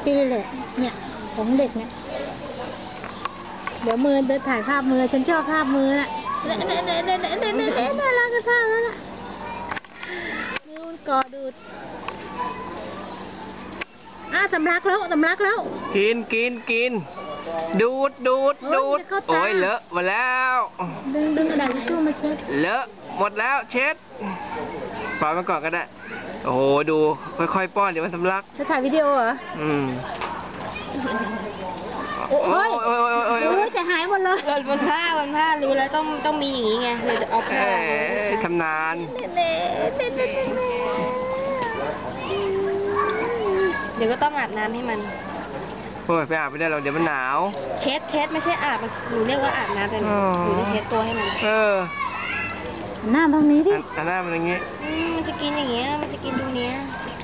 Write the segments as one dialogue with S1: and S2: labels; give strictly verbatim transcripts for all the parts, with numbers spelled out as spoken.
S1: ที่นี่แหละเนี่ยของเด็กเนี่ยเดี๋ยวมือเดินถ่ายภาพมือฉันชอบภาพมือน่ะเน่เน่เน่เน่เน่เน่เน่เน่น่ารักกระท่าแล้วน่ะมือมันกอดูดอ่ะสำลักแล้วสำลักแล้ว
S2: กินกินกินดูดดูดดูดโอ้ยเลอะหมดแล้ว
S1: ดึงดึงกระดาษทิชชู่มาเช็ด
S2: เลอะหมดแล้วเช็ดปล่อยมันก่อนก็ได้โอ้โหดูค่อยๆป้อนเดี๋ยวมันสำลัก
S1: จะถ่ายวิดีโอเหรอ
S2: อืม
S1: โอ้ยโอ้ยโอ้ยโอ้ยจะหายหมดเลย
S3: บนผ้าบนผ้ารู้แล้วต้องต้องมีอย่างนี้ไงเลยจะเอาผ้า
S2: ชำนาญ
S3: เดี๋ยวก็ต้องอาบน้ำให้มัน
S2: โอ้ยไปอาบไม่ได้เราเดี๋ยวมันหนาว
S3: เช็ดเช็ดไม่ใช่อาบหนูเรียกว่าอาบน้ำเป็นหนูจะเช็ดตัวให้มัน
S2: เออ
S1: หน้าตรงนี้ดิ
S2: หน้ามันอย่างงี้
S3: มันจะกินอย่างเงี้ยมันจะกินตรงเนี้ย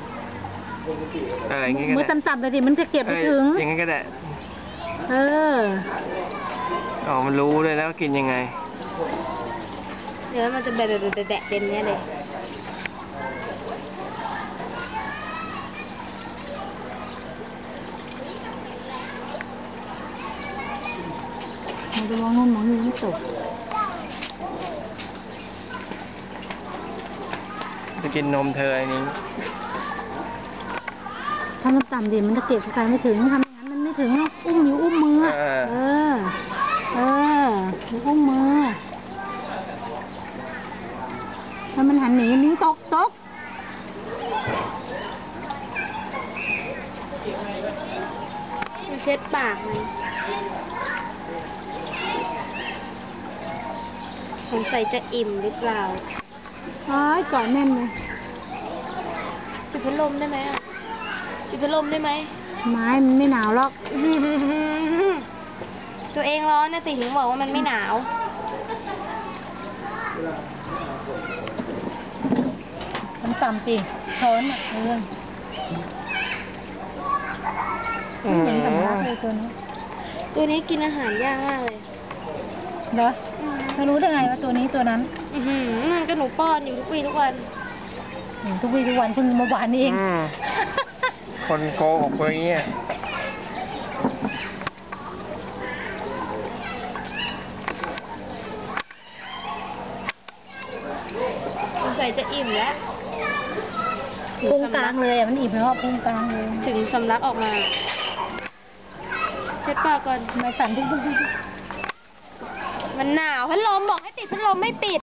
S2: อะไรอย่างงี้ก็ได้
S1: มือต่ำๆแต่ดิมันจะเก็บไปถึง
S2: อย่างงี้ก็ได้
S1: เออ
S2: อ๋อมันรู้เลยแล้วกินยังไง
S3: เดี๋ยวมันจะแบะแบะแบะแบะเต็มเนี้ยเลย
S1: มันจะมองนู่นมองนี่ไม่ตก
S2: จะกินนมเธออันนี้
S1: ทำต่ำๆดิมันจะเก็บใครไม่ถึงทำอย่างนั้นมันไม่ถึงอุ้มอยู่อุ้มมือเออเอออุ้มมือถ้ามันหันหนีนิ้วตกตก
S3: มันเช็ดปากมันสงสัยจะอิ่มหรือเปล่า
S1: อ๋อก่อนแน่นเลย
S3: ปิดพัดลมได้ไหมอ่ะปิดพัดลมได้ไหม
S1: ไม้มันไม่หนาวหรอก
S3: ตัวเองร้อนนะติถึงบอกว่ามันไม่หนาว
S1: มันต่ำจริงช้อนอ่ะเรื่องเหมือนสำลักเลยตัวนี้
S3: ตัวนี้กินอาหารยากมากเลย
S1: เหรอไม่รู้ได้ไงว่าตัวนี้ตัวนั้น
S3: อือหือก็หนูป้อนอยู่ทุกวี่ทุกวัน
S1: ทุกวี่ทุกวันเพิ่งเมื่อวานนี้เอง
S2: คนโกหกอย่างเงี้ย
S3: สงสัยจะอิ่มแล้ว
S1: พุงกลางเลยมันอิ่มแล้วพุงกลางเลย
S3: ถึงสำลักออกมาเช็ดปากก่อน
S1: ไม่สั่นที่
S3: มันหนาวพัดลมบอกให้ปิดพัดลมไม่ปิด